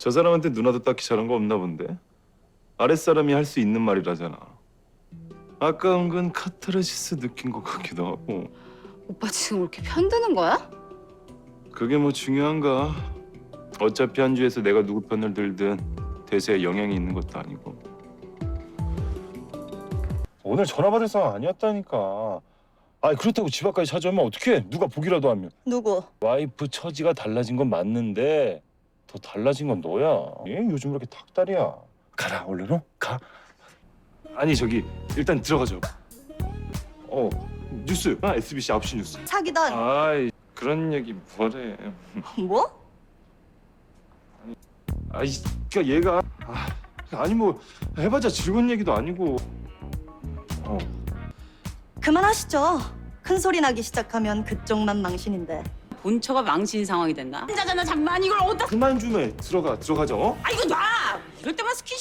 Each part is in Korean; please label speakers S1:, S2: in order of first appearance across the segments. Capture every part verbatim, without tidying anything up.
S1: 저 사람한테 누나도 딱히 잘한 거 없나 본데? 아랫사람이 할 수 있는 말이라잖아. 아까 은근 카타르시스 느낀 것 같기도 하고.
S2: 오빠 지금 이렇게 편드는 거야?
S1: 그게 뭐 중요한가? 어차피 한 주에서 내가 누구 편을 들든 대세에 영향이 있는 것도 아니고. 오늘 전화 받을 상황 아니었다니까. 아니 그렇다고 집 앞까지 찾아오면 어떡해? 누가 보기라도 하면.
S3: 누구?
S1: 와이프 처지가 달라진 건 맞는데 더 달라진 건 너야. 얘 요즘 왜 이렇게 닭다리야? 가라 얼른 어? 가. 아니 저기 일단 들어가죠. 어 뉴스. 아 에스비씨 아홉 시 뉴스.
S3: 사기단.
S1: 아이 그런 얘기 뭐래.
S3: 뭐?
S1: 아이 그니까 얘가 아, 아니 뭐 해봤자 즐거운 얘기도 아니고. 어
S3: 그만하시죠. 큰 소리 나기 시작하면 그쪽만 망신인데.
S2: 본처가 망신 상황이 됐나? 혼자잖아 잠만 이걸 어디다
S1: 그만 좀 해. 들어가 들어가자. 어?
S2: 아 이거 놔! 이럴 때만 스킨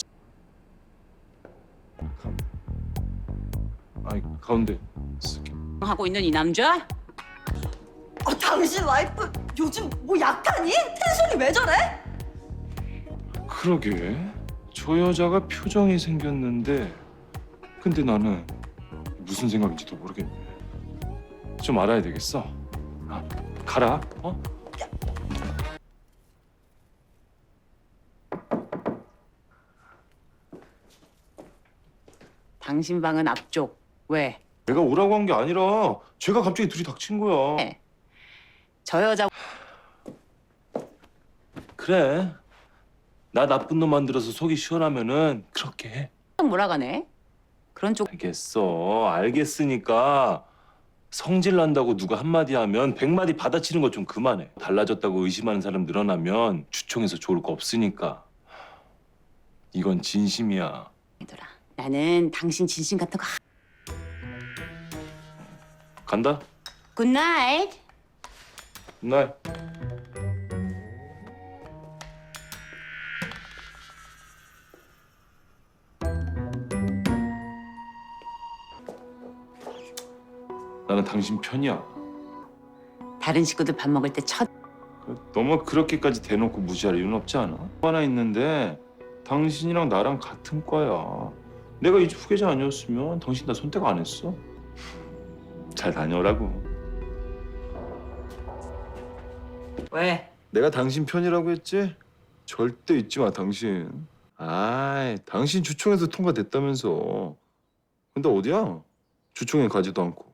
S1: 아이 가운데 쓸게.
S2: 하고 있는 이 남자?
S3: 어, 당신 와이프 요즘 뭐 약하니? 텐션이 왜 저래?
S1: 그러게 저 여자가 표정이 생겼는데 근데 나는 무슨 생각인지도 모르겠네. 좀 알아야 되겠어. 아, 가라. 어?
S2: 당신 방은 앞쪽. 왜?
S1: 내가 오라고 한 게 아니라 쟤가 갑자기 둘이 닥친 거야.
S2: 네. 저 여자
S1: 그래. 나 나쁜 놈 만들어서 속이 시원하면은 그렇게 해.
S2: 몰아가네. 그런 쪽
S1: 알겠어. 알겠으니까 성질 난다고 누가 한마디 하면 백마디 받아치는 거 좀 그만해. 달라졌다고 의심하는 사람 늘어나면 주총에서 좋을 거 없으니까. 이건 진심이야.
S2: 이더라. 나는 당신 진심 같은 거
S1: 간다.
S2: 굿나잇.
S1: 날. 나는 당신 편이야.
S2: 다른 식구들 밥 먹을 때 첫
S1: 너무 그렇게까지 대놓고 무시할 이유는 없지 않아? 하나 있는데 당신이랑 나랑 같은 과야. 내가 이 집 후계자 아니었으면 당신 나 선택 안 했어. 잘 다녀오라고.
S2: 왜?
S1: 내가 당신 편이라고 했지? 절대 잊지 마, 당신. 아이, 당신 주총에서 통과됐다면서. 근데 어디야? 주총에 가지도 않고.